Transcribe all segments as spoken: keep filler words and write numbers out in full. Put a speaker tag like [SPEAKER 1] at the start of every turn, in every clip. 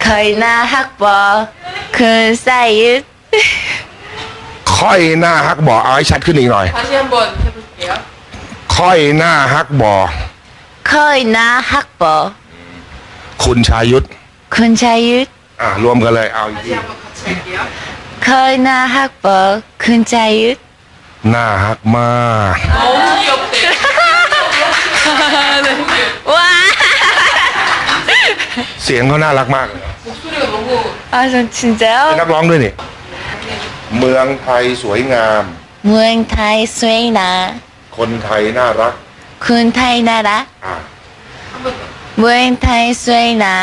[SPEAKER 1] ค่อยหน้าฮักบอคืนใส่ยึด
[SPEAKER 2] ค่อยหน้าฮักบ่อเอาให้ชัดขึ้นอีกหน่อย
[SPEAKER 3] 다시 한번 해볼게요.
[SPEAKER 2] ค่อยหน้าฮักบ่อ
[SPEAKER 1] ค่อยหน้าฮักบอ
[SPEAKER 2] คุณชายุทธ
[SPEAKER 1] คุณชายยึด
[SPEAKER 2] อ่ะรวมกันเลยเอาอีก
[SPEAKER 3] 다시
[SPEAKER 2] ที
[SPEAKER 3] 한번 같이 할게요.
[SPEAKER 1] ค่อยหน้าฮักบอคุณชายยึด
[SPEAKER 2] หน้าฮักมาก
[SPEAKER 3] 너무 귀엽대.
[SPEAKER 1] ว้า
[SPEAKER 2] เสียงเขาน่ารักมากเลย
[SPEAKER 3] 목소리가 너무
[SPEAKER 1] 아, 전 진짜요?
[SPEAKER 2] เป็นนักร้องด้วยนี่เมืองไทยสวยงาม
[SPEAKER 1] เมืองไทยสวยนะ
[SPEAKER 2] คนไทยน่ารัก
[SPEAKER 1] คุณไทยน่ารัก
[SPEAKER 2] อ่ะ
[SPEAKER 1] เมืองไทยสวยนะ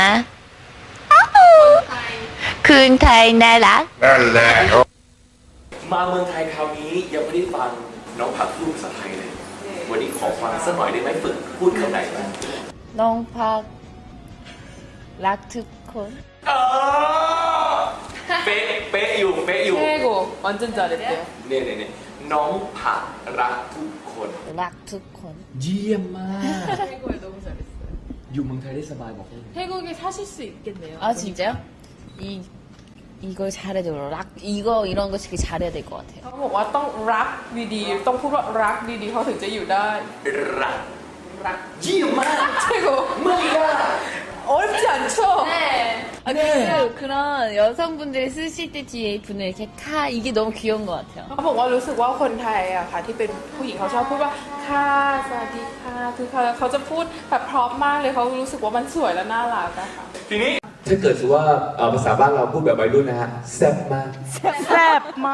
[SPEAKER 1] คุณไทยน่ารัก
[SPEAKER 2] นั่นแหละ
[SPEAKER 4] มาเมืองไทยคราวนี้ยังไม่ได้ฟังน้องผักพูดภาษาไทยเลย วันนี้ขอฟังสักหน่อยได้ไหมฝึกพูดคำไหนบ้าง
[SPEAKER 1] น้องพักรักทุกคน
[SPEAKER 4] เออเป๊ะเป๊ะอยู่เป๊ะอยู่
[SPEAKER 3] 최고. 완전 잘했대요.
[SPEAKER 4] เนี่ยเนี่ยเนี่ยน้องผักรักทุกคน
[SPEAKER 1] รักทุกคน
[SPEAKER 4] เยี่ยมมาก
[SPEAKER 3] 태국에 너무 잘했어요.
[SPEAKER 4] อยู่เมืองไทยได้สบายบอกเลย
[SPEAKER 3] 태국에 사실 수 있겠네요.
[SPEAKER 1] 아 진짜요? 이 이걸 잘해야 돼요. 락 이거 이런 거 되게 잘해야 될 것 같아요.
[SPEAKER 3] เขาบอกว่าต้องรักดีๆ ต้องพูดว่ารักดีๆเขาถึงจะอยู่ได้
[SPEAKER 4] รัก
[SPEAKER 3] รัก
[SPEAKER 4] เยี่ยมมาก
[SPEAKER 3] 최고.
[SPEAKER 4] ไม่ยาก
[SPEAKER 3] 어렵지 않죠? 네.
[SPEAKER 1] 아, 그리고 그런 여성분들이 쓰실 때 뒤에 분을 이렇게 카 이게 너무 귀여운 것 같아요.
[SPEAKER 3] เขาบอกว่ารู้สึกว่าคนไทยอะค่ะที่เป็นผู้หญิงเขาชอบพูดว่าค่ะสวัสดีค่ะคือเขาเขาจะพูดแบบเพราะมากเลยเขารู้สึกว่ามันสวยและน่ารักอะค่ะ
[SPEAKER 4] ทีนี้ถ้าเกิดสมมติว่าเอ่อภาษาบ้านเราพูดแบบวัยรุ่นนะฮะแซ่บมาก
[SPEAKER 5] แซ่บมาก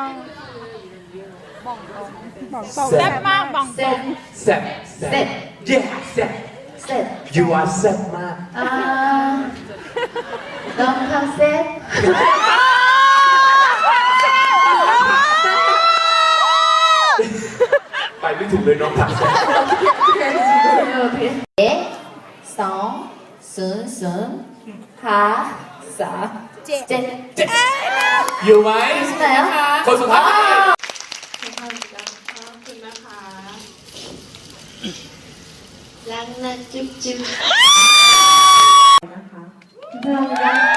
[SPEAKER 4] แซ่บมากบังตรงแซ่บแซ่บ yeah แซ่บแซ่บ you are แซ่บมาก
[SPEAKER 1] 아 너무 컨셉
[SPEAKER 4] ไปไม่ถูกเลยน้องผัก
[SPEAKER 1] 성, 순, 순, 하, 사, 제, 제.
[SPEAKER 4] อยู่ไหม
[SPEAKER 1] 있나요?
[SPEAKER 4] คนสุดท้าย
[SPEAKER 1] 랑나 쭈쭈.
[SPEAKER 5] 감사합니다.